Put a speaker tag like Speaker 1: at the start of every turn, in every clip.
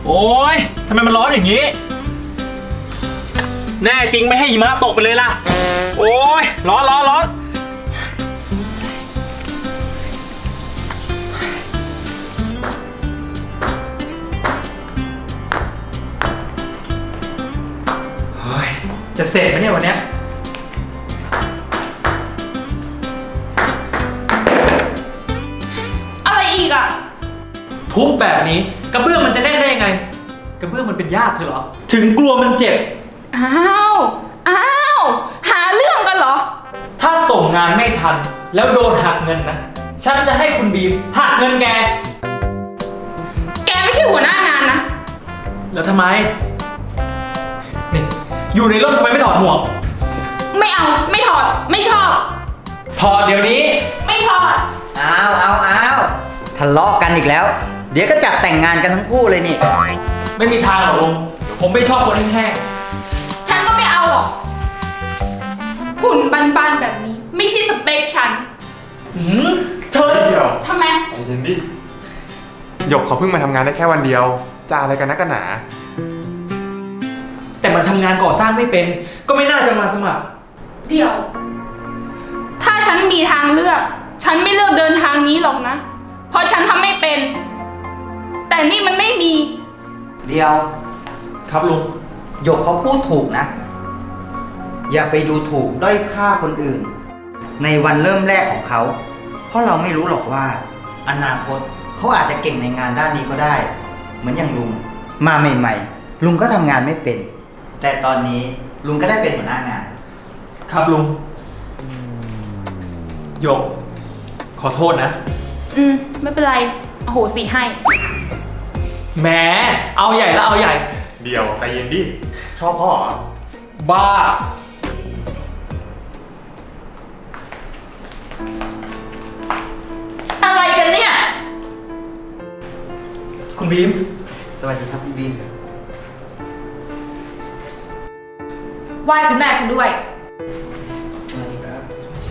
Speaker 1: โอ้ยทำไมมันร้อนอย่างนี้แน่จริงไม่ให้หิมะตกไปเลยล่ะโอ้ยร้อนร้อนร้อนเฮ้ยจะเสร็จไหมเนี่ยวันเนี้ย
Speaker 2: อะไรอีกอ่ะ
Speaker 1: ทุบแบบนี้กระเบื้องมันจะแน่นได้ยังไงกระเบื้องมันเป็นญาติเธอเหรอถึงกลัวมันเจ็บ
Speaker 2: อ้าวหาเรื่องกันเหรอ
Speaker 1: ถ้าส่งงานไม่ทันแล้วโดนหักเงินนะฉันจะให้คุณบีมหักเงินแก
Speaker 2: ไม่ใช่หัวหน้างานนะ
Speaker 1: แล้วทำไมนี่อยู่ในร่มทำไมไม่ถอดหมวก
Speaker 2: ไม่เอาไม่ถอดไม่ชอบ
Speaker 1: ถอดเดี๋ยวนี้
Speaker 2: ไม่ถอด
Speaker 3: เอาทะเลาะกันอีกแล้วเดี๋ยวก็จับแต่งงานกันทั้งคู่เลยนี่
Speaker 1: ไม่มีทางหรอกลุงผมไม่ชอบคนแห้ง
Speaker 2: ฉันก็ไม่เอาหรอกหุ่นบานๆแบบนี้ไม่ใช่สเปคฉัน
Speaker 1: เธอ
Speaker 4: เดี๋ยว
Speaker 2: ทำไม
Speaker 4: ใจเย็นดิหยกเขาเพิ่งมาทำงานได้แค่วันเดียวจะอะไรกันนักกันหนา
Speaker 1: แต่มันทำงานก่อสร้างไม่เป็นก็ไม่น่าจะมาสมัคร
Speaker 2: เดี๋ยวถ้าฉันมีทางเลือกฉันไม่เลือกเดินทางนี้หรอกนะเพราะฉันทำไม่เป็นแต่นี่มันไม่มี
Speaker 3: เดียว
Speaker 1: ครับลุง
Speaker 3: หยกเขาพูดถูกนะอย่าไปดูถูกด้อยค่าคนอื่นในวันเริ่มแรกของเขาเพราะเราไม่รู้หรอกว่าอนาคตเขาอาจจะเก่งในงานด้านนี้ก็ได้เหมือนอย่างลุงมาใหม่ๆลุงก็ทำงานไม่เป็นแต่ตอนนี้ลุงก็ได้เป็นหัวหน้างาน
Speaker 1: ครับลุงหยกขอโทษนะ
Speaker 2: ไม่เป็นไรโอ้โหสิให้
Speaker 1: แหมเอาใหญ่แล้วเอาใหญ่
Speaker 4: เดี๋ยวใจเย็นดิชอบพ่อเหรอ
Speaker 1: บ้า
Speaker 5: อะไรกันเนี่ย
Speaker 1: คุณบีม
Speaker 3: สวัสดีครับคุณบีม
Speaker 2: ไหว้คุณแม่ฉันด้วย
Speaker 3: สวัสดีครับ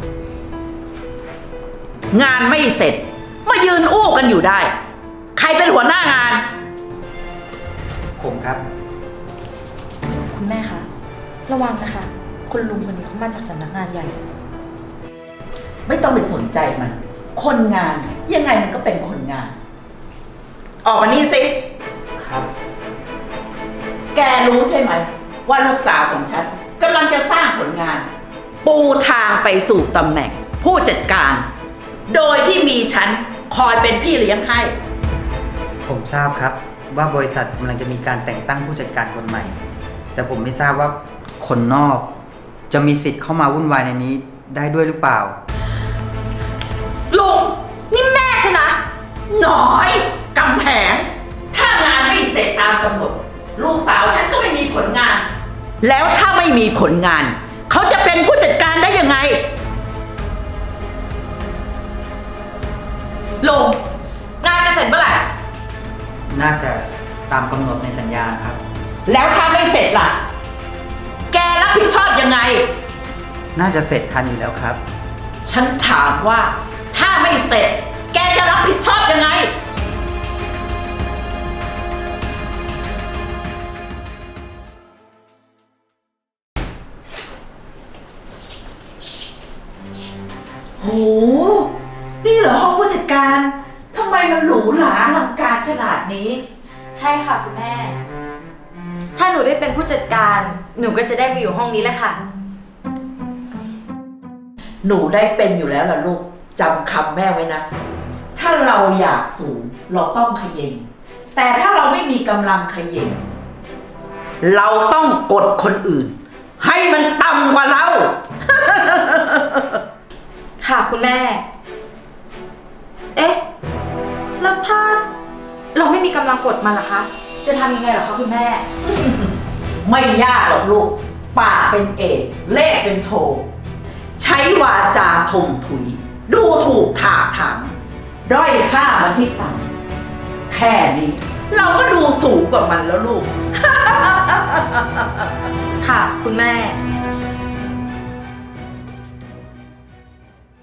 Speaker 5: งานไม่เสร็จมายืนอู้กันอยู่ได้ใครเป็นหัวหน้างาน
Speaker 3: ผมครับ
Speaker 6: คุณแม่คะระวังนะคะคุณลุงคนนี้เขามาจากสำนักงานใหญ่
Speaker 5: ไม่ต้องไปสนใจมันคนงานยังไงมันก็เป็นคนงานออกมานี่สิ
Speaker 3: ครับ
Speaker 5: แกรู้ใช่ไหมว่าลูกสาวของฉันกำลังจะสร้างผลงานปูทางไปสู่ตำแหน่งผู้จัดการโดยที่มีฉันคอยเป็นพี่เลี้ยงให้
Speaker 3: ผมทราบครับว่าบริษัทกำลังจะมีการแต่งตั้งผู้จัดการคนใหม่แต่ผมไม่ทราบว่าคนนอกจะมีสิทธิ์เข้ามาวุ่นวายในนี้ได้ด้วยหรือเปล่า
Speaker 2: ลุงนี่แม่ใช่นะ
Speaker 5: น้อยกำแพงถ้างานไม่เสร็จตามกำหนดลูกสาวฉันก็ไม่มีผลงานแล้วถ้าไม่มีผลงานเขาจะเป็นผู้จัดการได้ยังไง
Speaker 2: ลุงงานจะเสร็จเมื่อไหร่
Speaker 3: น่าจะตามกำหนดในสัญญาครับ
Speaker 5: แล้วถ้าไม่เสร็จล่ะแกรับผิดชอบยังไง
Speaker 3: น่าจะเสร็จทันอยู่แล้วครับ
Speaker 5: ฉันถามว่าถ้าไม่เสร็จแกจะรับผิดชอบยังไงโหนี่เหรอห้องผู้จัดการทำไมมันหรูหราอลังการขนาดนี้
Speaker 6: ใช่ค่ะคุณแม่ถ้าหนูได้เป็นผู้จัดการหนูก็จะได้มาอยู่ห้องนี้แหละค่ะ
Speaker 5: หนูได้เป็นอยู่แล้วล่ะลูกจำคำแม่ไว้นะถ้าเราอยากสูงเราต้องเขย่งแต่ถ้าเราไม่มีกำลังเขย่งเราต้องกดคนอื่นให้มันต่ำกว่าเรา
Speaker 6: ค่ะคุณแม่เอ๊ะแล้วถ้าเราไม่มีกำลังกดมันล่ะคะจะทำยังไงเหรอคะคุณแม่
Speaker 5: ไม่ยากหรอกลูกปากเป็นเอกเลขเป็นโทใช้วาจาถมถุยดูถูกถากถางด้อยค่ามันที่ต่ำแค่นี้เราก็ดูสูงกว่ามันแล้วลูก
Speaker 6: ค่ะคุณแม่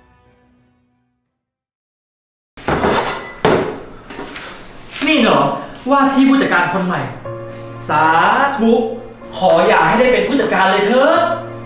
Speaker 1: นี่เหรอว่าที่ผู้จัดการคนใหม่ สาธุขออย่าให้ได้เป็นผู้จัดการเลยเถอะ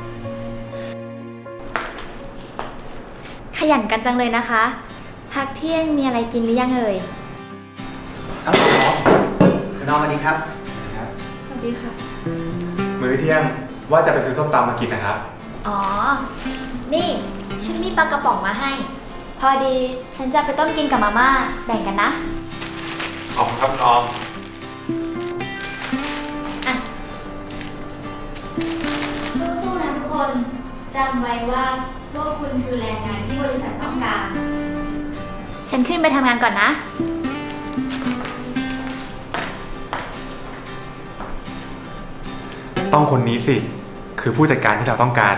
Speaker 7: ขยันกันจังเลยนะคะ พักเที่ยงมีอะไรกินหรือยังเอ่ย
Speaker 3: ครับคุณน้องสวัสดีครับ
Speaker 2: สวัสดีค่ะ
Speaker 4: มื้อเที่ยงว่าจะไปซื้อส้มตำมากินนะครับ
Speaker 7: อ๋อ นี่ ฉันมีปลากระป๋องมาให้ พอดีฉันจะไปต้มกินกับมาม่าแบ่งกันนะ
Speaker 4: ขอบคุณครับคุณออม
Speaker 7: อ่ะ สู้ๆนะทุกคนจำไว้ว่าพวกคุณคือแรงงานที่บริษัทต้องการ ฉันขึ้นไปทำงานก่อนนะ
Speaker 4: ต้องคนนี้สิ คือผู้จัดการที่เราต้องการ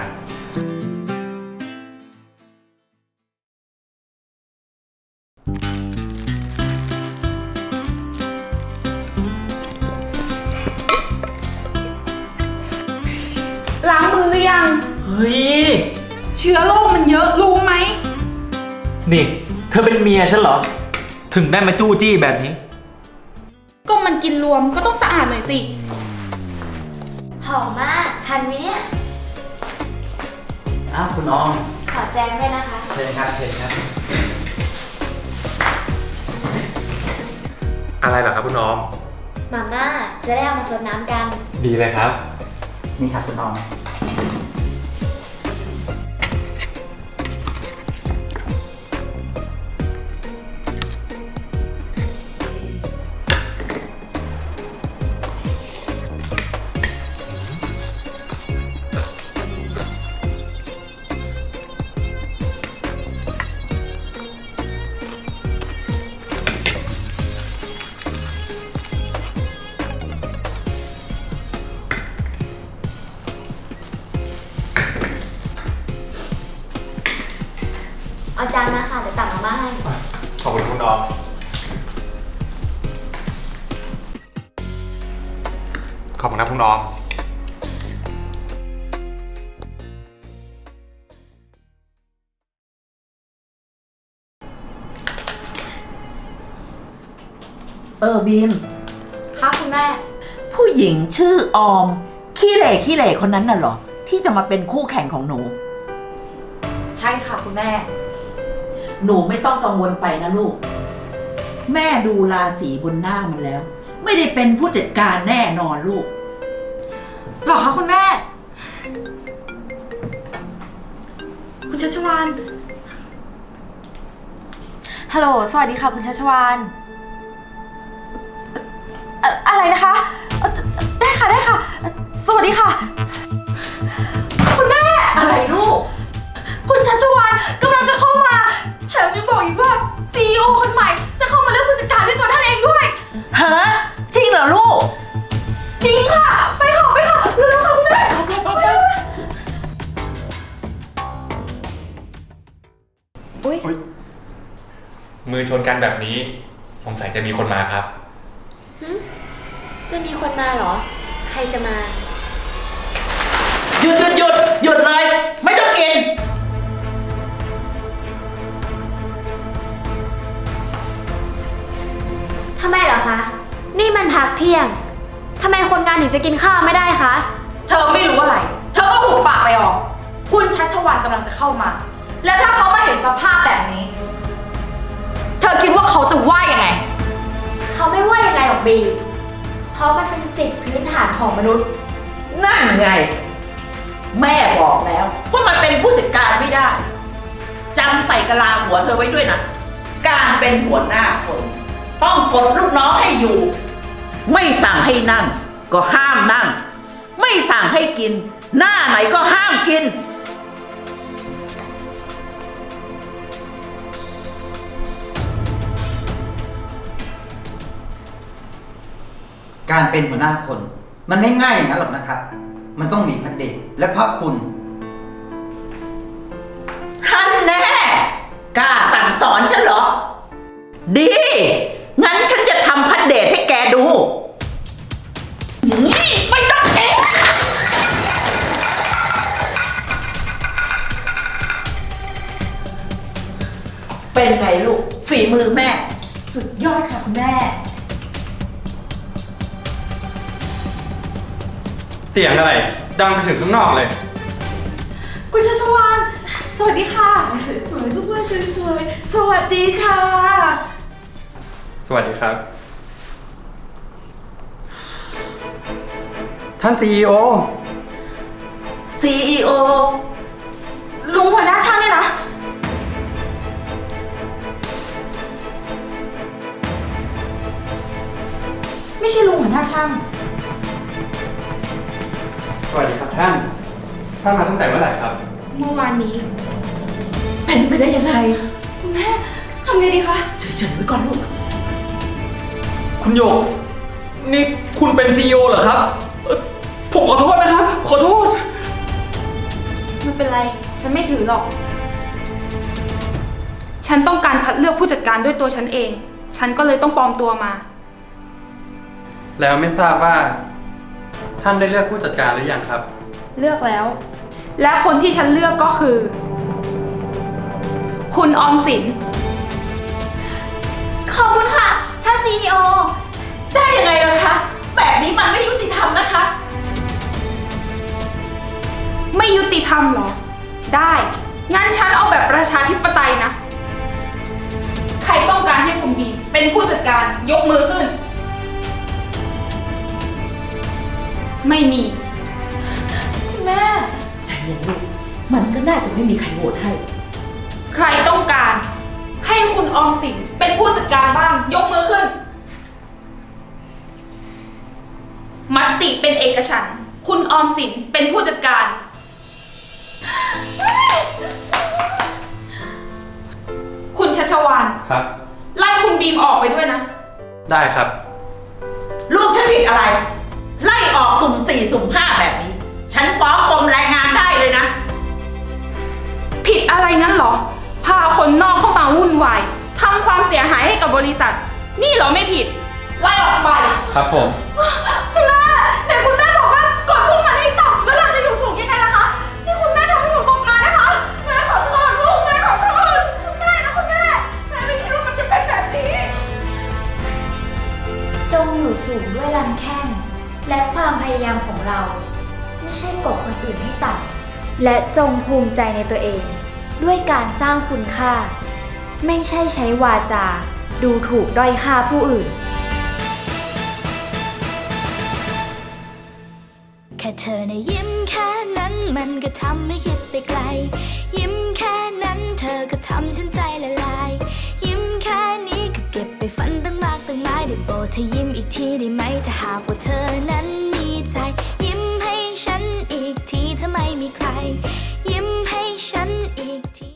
Speaker 2: ล้างมือหรือยัง
Speaker 1: เฮ้ย
Speaker 2: เชื้อโรคมันเยอะรู้ไหม
Speaker 1: นี่ เธอเป็นเมียฉันเหรอ ถึงได้มาจู้จี้แบบนี้
Speaker 2: ก็มันกินรวมก็ต้องสะอาดหน่อยสิ
Speaker 7: หอมมาก ทันไหมเนี่ย
Speaker 3: อ้าวคุณออม
Speaker 7: ขอแจ้งด้วยนะคะ
Speaker 3: เชิญครับ เชิญครับ
Speaker 4: อะไรเหรอครับคุณออม
Speaker 7: มาม่าจะได้เอามาซดน้ำกัน
Speaker 4: ดีเลยครับ
Speaker 3: นี่ครับคุณออม
Speaker 7: เอาจานมาค่ะเดี๋ยวตักมาม่าให้
Speaker 4: ขอบคุณคุณออม ขอบคุณนะคุณออม
Speaker 5: บีม
Speaker 6: ค่ะคุณแม่
Speaker 5: ผู้หญิงชื่อออม ขี้เหร่คนนั้นน่ะเหรอ ที่จะมาเป็นคู่แข่งของหนู
Speaker 6: ใช่ค่ะคุณแม่
Speaker 5: หนูไม่ต้องกังวลไปนะลูก แม่ดูราศีบนหน้ามันแล้ว ไม่ได้เป็นผู้จัดการแน่นอนลูก
Speaker 6: หรอคะคุณแม่ คุณชัชวานฮัลโหล สวัสดีค่ะคุณชัชวานอะไรนะคะได้ค่ะได้ค่ะ สวัสดีค่ะ คุณแม่
Speaker 5: อะไรลูก
Speaker 6: คุณชัชวานกำลังจะเข้ามาแถมยังบอกอีกว่า CEO คนใหม่จะเข้ามาเลือกผู้จัดการด้วยตัวท่านเองด้วย
Speaker 5: ฮะ จริงเหรอลูก
Speaker 6: จริงค่ะ ไปค่ะไปค่ะเร็วๆค่ะคุณแม่
Speaker 4: มือชนกันแบบนี้ สงสัยจะมีคนมาครับ
Speaker 7: จะมีคนมาเหรอ ใครจะมา
Speaker 5: หยุดเลย ไม่ต้องกิน
Speaker 7: ทำไมเหรอคะ นี่มันพักเที่ยง ทำไมคนงานถึงจะกินข้าวไม่ได้คะ
Speaker 6: เธอไม่รู้อะไร เธอก็หุบปากไปออก คุณชัชวานกำลังจะเข้ามา แล้วถ้าเขามาเห็นสภาพแบบนี้ เธอคิดว่าเขาจะว่ายังไง
Speaker 7: เขาไม่ว่ายังไงหรอกบี เพราะมันเป็นสิทธิพื้นฐานของมนุษย์
Speaker 5: นั่นไง แม่บอกแล้วว่ามันเป็นผู้จัดการไม่ได้จำใส่กะลาหัวเธอไว้ด้วยนะ การเป็นหัวหน้าคน ต้องกดลูกน้องให้อยู่ ไม่สั่งให้นั่ง ก็ห้ามนั่ง ไม่สั่งให้กิน หน้าไหนก็ห้ามกิน
Speaker 3: การเป็นหัวหน้าคน มันไม่ง่ายอย่างนั้นหรอกนะครับ มันต้องมีพระเดชและพระคุณ
Speaker 5: ท่านแน่ กล้าสั่งสอนฉันเหรอ ดี งั้นฉันจะทำพัดเดทให้แกดูนี่ไม่ต้องเช็คเป็นไงลูก ฝีมือแม่
Speaker 6: สุดยอดค่ะคุณแม่
Speaker 4: เสียงอะไร ดังไปถึงข้างนอกเลย
Speaker 5: คุณชัชวานสวัสดีค่ะ สวยๆทุกคนสวยๆสวัสดีค่ะ
Speaker 4: สวัสดีครับ ท่าน CEO
Speaker 5: CEO
Speaker 6: ลุงหัวหน้าช่างเนี่ยนะ ไม่ใช่ลุงหัวหน้าช่าง
Speaker 4: สวัสดีครับท่าน ท่านมาตั้งแต่เมื่อไหร่ครับ
Speaker 2: เมื่อวานนี้
Speaker 5: เป็นไปได้ยังไง
Speaker 6: คุณแม่ทำไงดีคะ
Speaker 5: เฉยๆไว้ก่อนลูก
Speaker 1: คุณหยก นี่คุณเป็น CEO เหรอครับผมขอโทษนะครับ ขอโทษ
Speaker 2: ไม่เป็นไร ฉันไม่ถือหรอก ฉันต้องการคัดเลือกผู้จัดการด้วยตัวฉันเอง ฉันก็เลยต้องปลอมตัวมา
Speaker 4: แล้วไม่ทราบว่า ท่านได้เลือกผู้จัดการหรือยังครับ
Speaker 2: เลือกแล้ว และคนที่ฉันเลือกก็คือ คุณออมสิน
Speaker 7: ขอบคุณค่ะ ท่าน CEO
Speaker 5: ได้ยังไงล่ะคะ แบบนี้มันไม่ยุติธรรมนะคะ
Speaker 2: ไม่ยุติธรรมเหรอ ได้ งั้นฉันเอาแบบประชาธิปไตยนะ ใครต้องการให้คุณบีมเป็นผู้จัดการยกมือขึ้น ไม่มี
Speaker 5: คุณแม่ใจเย็นลูก มันก็น่าจะไม่มีใครโหวตให้
Speaker 2: ใครต้องการให้คุณออมสินเป็นผู้จัดการบ้าง ยกมือขึ้น มติเป็นเอกฉันท์คุณออมสินเป็นผู้จัดการ คุณชัชวาน
Speaker 4: ครับ
Speaker 2: ไล่คุณบีมออกไปด้วยนะ
Speaker 4: ได้ครับ
Speaker 5: ลูกฉันผิดอะไร ไล่ออกสุ่ม4สุ่ม5แบบนี้ ฉันฟ้องกรมแรงงานได้เลยนะ
Speaker 2: ผิดอะไรงั้นเหรอ พาคนนอกเข้ามาวุ่นวายทำความเสียหายให้กับบริษัท นี่เหรอไม่ผิด ไล่ออกไป
Speaker 4: ครับผม
Speaker 6: คุณแม่ไหนคุณแม่บอกว่ากดพวกมันให้ต่ำแล้วเราจะอยู่สูงยังไงล่ะคะ นี่คุณแม่ทำให้หนูตกงานนะคะ
Speaker 5: แม่ขอโทษลูก แม่ขอโทษ
Speaker 6: คุณแม่นะคุณแม่
Speaker 5: แม่ไม่คิดว่ามันจะเป็นแบบนี้
Speaker 7: จงอยู่สูงด้วยลำแข้งและความพยายามของเรา ไม่ใช่กดคนอื่นให้ต่ำและจงภูมิใจในตัวเอง ด้วยการสร้างคุณค่า ไม่ใช่ใช้วาจาดูถูกด้อยค่าผู้อื่น
Speaker 8: แค่เธอนะยิ้มแค่นั้นมันก็ทำให้คิดไปไกล ยิ้มแค่นั้นเธอก็ทำฉันใจละลาย ยิ้มแค่นี้ก็เก็บไปฝันตั้งมากตั้งหลายได้โปรดเธอยิ้มอีกทีได้ไหมถ้าหากว่าเธอนั้น